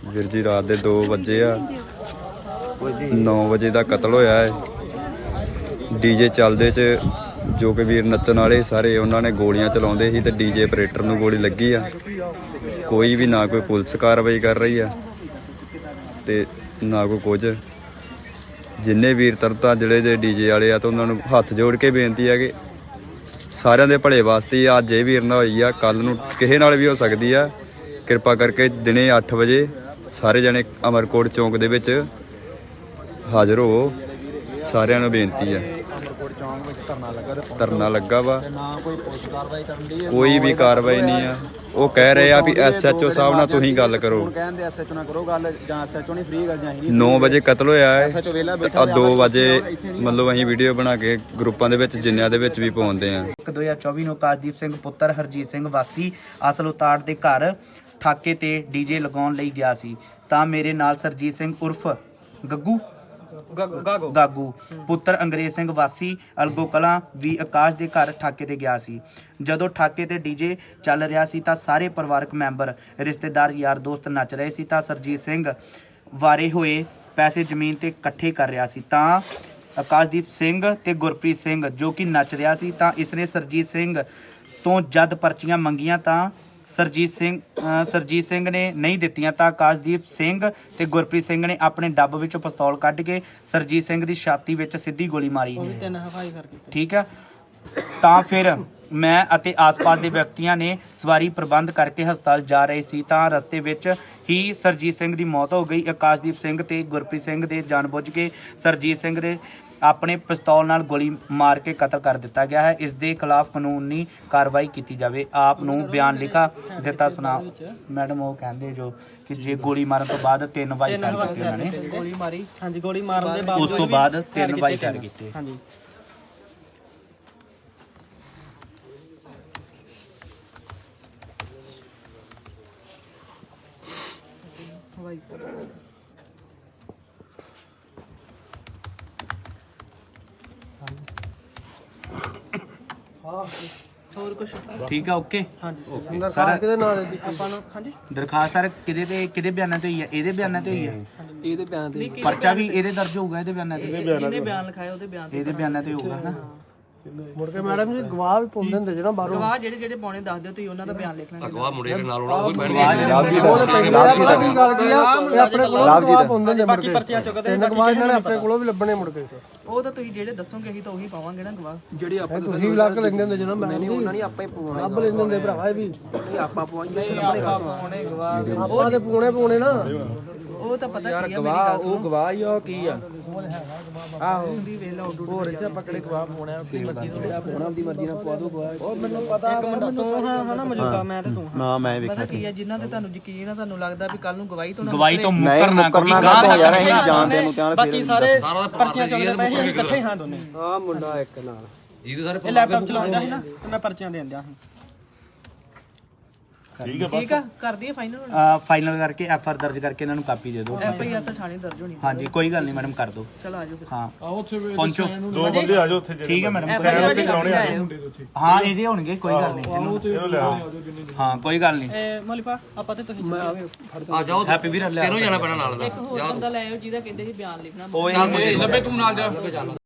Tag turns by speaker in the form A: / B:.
A: ਵੀਰ ਜੀ ਰਾਤ ਦੇ 2 ਵਜੇ ਆ 9 ਵਜੇ ਦਾ ਕਤਲ ਹੋਇਆ ਹੈ। ਡੀਜੇ ਚੱਲਦੇ ਚ ਜੋ ਕਿ ਵੀਰ ਨੱਚਣ ਵਾਲੇ ਸਾਰੇ ਉਹਨਾਂ ਨੇ ਗੋਲੀਆਂ ਚਲਾਉਂਦੇ ਸੀ ਤੇ ਡੀਜੇ ਆਪਰੇਟਰ ਨੂੰ ਗੋਲੀ ਲੱਗੀ ਆ। ਕੋਈ ਵੀ ਨਾ ਕੋਈ ਪੁਲਿਸ ਕਾਰਵਾਈ ਕਰ ਰਹੀ ਆ ਤੇ ਨਾ ਕੋਈ ਕੁਝ। ਜਿੰਨੇ ਵੀਰ ਤਰਤਾ ਜਿਹੜੇ ਦੇ ਡੀਜੇ ਵਾਲੇ ਆ ਤਾਂ ਉਹਨਾਂ ਨੂੰ ਹੱਥ ਜੋੜ ਕੇ ਬੇਨਤੀ ਹੈ ਕਿ ਸਾਰਿਆਂ ਦੇ ਭਲੇ ਵਾਸਤੇ ਅੱਜ ਇਹ ਵੀਰ ਨਾਲ ਹੋਈ ਆ, ਕੱਲ ਨੂੰ ਕਿਸੇ ਨਾਲ ਵੀ ਹੋ ਸਕਦੀ ਆ। ਕਿਰਪਾ ਕਰਕੇ ਦਿਨੇ 8 ਵਜੇ ਸਾਰੇ ਜਣੇ ਅਮਰਕੋਟ ਚੌਂਕ ਦੇ ਵਿੱਚ ਹਾਜ਼ਰ ਹੋਵੋ। ਸਾਰਿਆਂ ਨੂੰ ਬੇਨਤੀ ਆ। ਧਰਨਾ ਲੱਗਾ ਵਾ, ਕੋਈ ਵੀ ਕਾਰਵਾਈ ਨਹੀਂ ਆ। ਉਹ ਕਹਿ ਰਹੇ ਆ ਵੀ SHO ਸਾਹਿਬ ਨਾਲ ਤੁਸੀਂ ਗੱਲ ਕਰੋ। 9 ਵਜੇ ਕਤਲ ਹੋਇਆ ਹੈ, 2 ਵਜੇ ਮਤਲਬ ਅਸੀਂ ਵੀਡੀਓ ਬਣਾ ਕੇ ਗਰੁੱਪਾਂ ਦੇ ਵਿੱਚ ਜਿੰਨਿਆਂ ਦੇ ਵਿੱਚ ਵੀ ਪਾਉਂਦੇ ਆ।
B: 2024 ਨੂੰ ਆਕਾਸ਼ਦੀਪ ਸਿੰਘ ਪੁੱਤਰ ਹਰਜੀਤ ਸਿੰਘ ਵਾਸੀ ਅਸਲ ਉਤਾੜ ਦੇ ਘਰ ਠਾਕੇ ਤੇ ਡੀਜੇ ਲਗਾਉਣ ਲਈ ਗਿਆ ਸੀ ਤਾਂ ਮੇਰੇ ਨਾਲ ਸਰਜੀਤ ਸਿੰਘ ਉਰਫ ਗਾਗੂ ਪੁੱਤਰ ਅੰਗਰੇਜ਼ ਸਿੰਘ ਵਾਸੀ ਅਲਗੋ ਕਲਾਂ ਵੀ ਆਕਾਸ਼ ਦੇ ਘਰ ਠਾਕੇ ਤੇ ਗਿਆ ਸੀ। ਜਦੋਂ ਠਾਕੇ ਤੇ ਡੀਜੇ ਚੱਲ ਰਿਹਾ ਸੀ ਤਾਂ ਸਾਰੇ ਪਰਿਵਾਰਕ ਮੈਂਬਰ, ਰਿਸ਼ਤੇਦਾਰ, ਯਾਰ ਦੋਸਤ ਨੱਚ ਰਹੇ ਸੀ ਤਾਂ ਸਰਜੀਤ ਸਿੰਘ ਵਾਰੇ ਹੋਏ ਪੈਸੇ ਜ਼ਮੀਨ ਤੇ ਇਕੱਠੇ ਕਰ ਰਿਹਾ ਸੀ ਤਾਂ ਆਕਾਸ਼ਦੀਪ ਸਿੰਘ ਤੇ ਗੁਰਪ੍ਰੀਤ ਸਿੰਘ ਜੋ ਕਿ ਨੱਚ ਰਿਹਾ ਸੀ ਤਾਂ ਇਸਨੇ ਸਰਜੀਤ ਸਿੰਘ ਤੋਂ ਜਦ ਪਰਚੀਆਂ ਮੰਗੀਆਂ ਤਾਂ ਸਰਜੀਤ ਸਿੰਘ ਨੇ ਨਹੀਂ ਦਿੱਤੀਆਂ ਤਾਂ ਆਕਾਸ਼ਦੀਪ ਸਿੰਘ ਤੇ ਗੁਰਪ੍ਰੀਤ ਸਿੰਘ ਨੇ ਆਪਣੇ ਡੱਬ ਵਿੱਚੋਂ ਪਿਸਤੌਲ ਕੱਢ ਕੇ ਸਰਜੀਤ ਸਿੰਘ ਦੀ ਛਾਤੀ ਵਿੱਚ ਸਿੱਧੀ ਗੋਲੀ ਮਾਰੀ। ਠੀਕ ਹੈ, ਤਾਂ ਫਿਰ ਮੈਂ ਅਤੇ ਆਸ-ਪਾਸ ਦੇ ਵਿਅਕਤੀਆਂ ਨੇ ਸਵਾਰੀ ਪ੍ਰਬੰਧ ਕਰਕੇ ਹਸਪਤਾਲ ਜਾ ਰਹੇ ਸੀ ਤਾਂ ਰਸਤੇ ਵਿੱਚ ਹੀ ਸਰਜੀਤ ਸਿੰਘ ਦੀ ਮੌਤ ਹੋ ਗਈ। ਆਕਾਸ਼ਦੀਪ ਸਿੰਘ ਤੇ ਗੁਰਪ੍ਰੀਤ ਸਿੰਘ ਦੇ ਜਾਣਬੁੱਝ ਕੇ ਸਰਜੀਤ ਸਿੰਘ ਦੇ ਆਪਣੇ ਪਿਸਤੌਲ ਨਾਲ ਗੋਲੀ ਮਾਰ ਕੇ ਕਤਲ ਕਰ ਦਿੱਤਾ ਗਿਆ ਹੈ। ਇਸ ਦੇ ਖਿਲਾਫ ਕਾਨੂੰਨੀ ਕਾਰਵਾਈ ਕੀਤੀ ਜਾਵੇ। ਆਪ ਨੂੰ ਬਿਆਨ ਲਿਖਾ ਦਿੱਤਾ ਸੁਣਾ। ਮੈਡਮ ਉਹ ਕਹਿੰਦੇ ਜੋ ਕਿ ਜੇ ਗੋਲੀ ਮਾਰਨ ਤੋਂ ਬਾਅਦ 3 ਵਾਰੀ ਫਾਇਰ ਕੀਤੇ ਉਹਨਾਂ ਨੇ, ਗੋਲੀ ਮਾਰੀ, ਹਾਂਜੀ, ਗੋਲੀ ਮਾਰਨ ਦੇ ਬਾਅਦ ਉਸ ਤੋਂ ਬਾਅਦ 3 ਵਾਰੀ ਫਾਇਰ ਕੀਤੇ। ਹਾਂਜੀ, ਹੋਰ ਕੁਝ ਠੀਕ ਆ। ਓਕੇ, ਹਾਂਜੀ। ਦਰਖਾਸਤ ਕਿਹਦੇ ਨਾਂ ਦੇ ਆਪਾਂ ਨੂੰ? ਹਾਂਜੀ, ਦਰਖਾਸਤ ਸਰ ਕਿਹਦੇ ਬਿਆਨਾਂ ਤੇ ਹੋਈ ਹੈ? ਇਹਦੇ ਬਿਆਨਾਂ ਤੇ ਹੋਈ ਹੈ। ਇਹਦੇ ਬਿਆਨਾਂ ਤੇ ਪਰਚਾ ਵੀ ਇਹਦੇ ਦਰਜ ਹੋਊਗਾ। ਇਹਦੇ ਬਿਆਨਾਂ ਤੇ ਜਿਹਨੇ ਬਿਆਨ ਲਿਖਾਇਆ ਉਹਦੇ ਬਿਆਨ ਤੇ, ਇਹਦੇ ਬਿਆਨਾਂ ਤੇ ਹੋਊਗਾ ਨਾ। ਮੁੜ ਕੇ ਮੈਡਮ ਜੀ ਗਵਾਹ ਵੀ ਪਾਉਂਦੇ ਹੁੰਦੇ ਜਿਹੜਾ ਬਾਹਰੋਂ ਗਵਾਹ ਜਿਹੜੇ ਪਾਉਣੇ ਦੱਸ ਦਿਓ ਤੁਸੀਂ, ਉਹਨਾਂ ਦਾ ਬਿਆਨ ਲਿਖ ਲਾਂਗੇ। ਗਵਾਹ ਮੁੰਡੇ ਦੇ ਨਾਲ ਹੋਣਾ, ਉਹ ਬਹਿਣਗੇ। ਉਹਦੇ ਪਹਿਲਾਂ ਕੀ ਗੱਲ ਕੀ ਆ, ਇਹ ਆਪਣੇ ਕੋਲੋਂ ਗਵਾਹ ਪਾਉਂਦੇ ਹੁੰਦੇ, ਬਾਕੀ ਪਰਚੀਆਂ ਚੁੱਕਦੇ ਇਹਨਾਂ ਗਵਾਹ ਇਹਨਾਂ ਨੇ ਆਪਣੇ ਕੋਲੋਂ ਵੀ ਲੱਭਣੇ ਮੁੜ ਕੇ। ਉਹ ਤਾਂ ਤੁਸੀਂ ਜਿਹੜੇ ਦੱਸੋਗੇ ਅਸੀਂ ਤਾਂ ਉਹੀ ਪਾਵਾਂਗੇ ਨਾ ਗਵਾਹ। ਜਿਹੜੇ ਆਪਾਂ ਤੁਸੀਂ ਵੀ ਲੱਗ ਲੈਂਦੇ ਹੁੰਦੇ ਜਦੋਂ ਮੈਂ ਨਹੀਂ, ਉਹਨਾਂ ਨੇ ਆਪਾਂ ਹੀ ਪਵਾਉਣਾ, ਲੱਭ ਲੈਂਦੇ ਹੁੰਦੇ ਭਰਾਵਾ। ਇਹ ਵੀ ਆਪਾਂ ਪਵਾਈਏ, ਪਾਉਣੇ ਗਵਾਹ, ਆਪਾਂ ਤੇ ਪਾਉਣੇ ਨਾ। ਉਹ ਤਾਂ ਪਤਾ ਕੀ ਆ, ਮੇਰੀ ਗੱਲ ਉਹ ਗਵਾਹ ਹੀ ਆ ਕੀ ਆ। ਆਹੋ, ਹੋਰ ਇੱਥੇ ਆਪਾਂ ਕਿਹੜੇ ਗਵਾਹ ਪਾਉਣੇ ਆ? ਆਪਣੀ ਮਰਜ਼ੀ ਤੋਂ ਜਿਹੜਾ ਪਾਉਣਾ ਆਪਣੀ ਮਰਜ਼ੀ ਨਾਲ ਪਵਾ ਦੋ ਗਵਾਹ। ਉਹ ਮੈਨੂੰ ਪਤਾ ਇੱਕ ਮਿੰਟ ਤੂੰ ਹਾਂ ਨਾ ਮੌਜੂਦਾ, ਮੈਂ ਤੇ ਤੂੰ ਨਾ ਮੈਂ ਵੇਖਿਆ। ਪਤਾ ਕੀ ਆ, ਜਿਨ੍ਹਾਂ ਤੇ ਤੁਹਾਨੂੰ ਯਕੀਨ ਆ, ਤੁਹਾਨੂੰ ਲੱਗਦਾ ਵੀ ਕੱਲ ਨੂੰ ਗਵਾਹੀ ਤੋਂ ਮੁੱਕਰਨਾ ਕੋਈ ਗਾਂ ਯਾਰ ਅਸੀਂ ਜਾਣਦੇ ਨੂੰ ਧਿਆਨ। ਬਾਕੀ ਸਾਰੇ ਪਰਚੀਆਂ ਚੱਲਦੇ ਪਏ ਅਸੀਂ ਇਕੱਠੇ ਹਾਂ ਦੋਨੇ। ਆਹ ਮੁੰਡਾ ਇੱਕ ਨਾਲ ਜਿਹਦੇ ਸਾਰੇ ਇਹ ਲੈਪਟਾਪ ਚਲਾਉਂਦਾ ਸੀ ਨਾ ਤੇ ਮੈਂ ਪਰਚੀਆਂ ਦੇਣ ਦਿਆਂ ਸੀ। ਠੀਕ ਆ, ਕਰ ਦਈਏ ਫਾਈਨਲ ਕਰਕੇ FR ਦਰਜ ਕਰਕੇ ਇਹਨਾਂ ਨੂੰ ਕਾਪੀ ਦੇ ਦਿਓ। FIR ਤਾਂ ਥਾਣੇ ਦਰਜ ਹੋਣੀ। ਹਾਂਜੀ, ਕੋਈ ਗੱਲ ਨਹੀਂ ਮੈਡਮ, ਕਰ ਦਿਓ। ਚਲ ਆਜੋ ਫਿਰ। ਹਾਂ ਆਓ ਉੱਥੇ ਪਹੁੰਚੋ, 2 ਬੰਦੇ ਆਜੋ ਉੱਥੇ। ਠੀਕ ਹੈ ਮੈਡਮ, ਸਾਈਨ ਉੱਤੇ ਕਰਾਉਣੇ ਆ ਮੁੰਡੇ ਦੇ ਉੱਥੇ। ਹਾਂ ਇਹਦੇ ਹੋਣਗੇ, ਕੋਈ ਗੱਲ ਨਹੀਂ। ਇਹਨੂੰ ਲੈ ਆਓ। ਹਾਂ ਕੋਈ ਗੱਲ ਨਹੀਂ। ਮੋਲੀਪਾ ਆਪਾਂ ਤੇ ਤੁਸੀਂ ਆ ਜਾਓ। ਹੈਪੀ ਵੀਰ ਲੈ ਤੈਨੂੰ ਜਾਣਾ ਪੈਣਾ ਨਾਲ ਦਾ। ਇੱਕ ਹੋਰ ਬੰਦਾ ਲੈ ਆਓ ਜਿਹਦਾ ਕਹਿੰਦੇ ਸੀ ਬਿਆਨ ਲਿਖਣਾ। ਉਹ ਲੱਭੇ ਤੂੰ ਨਾਲ ਜਾ।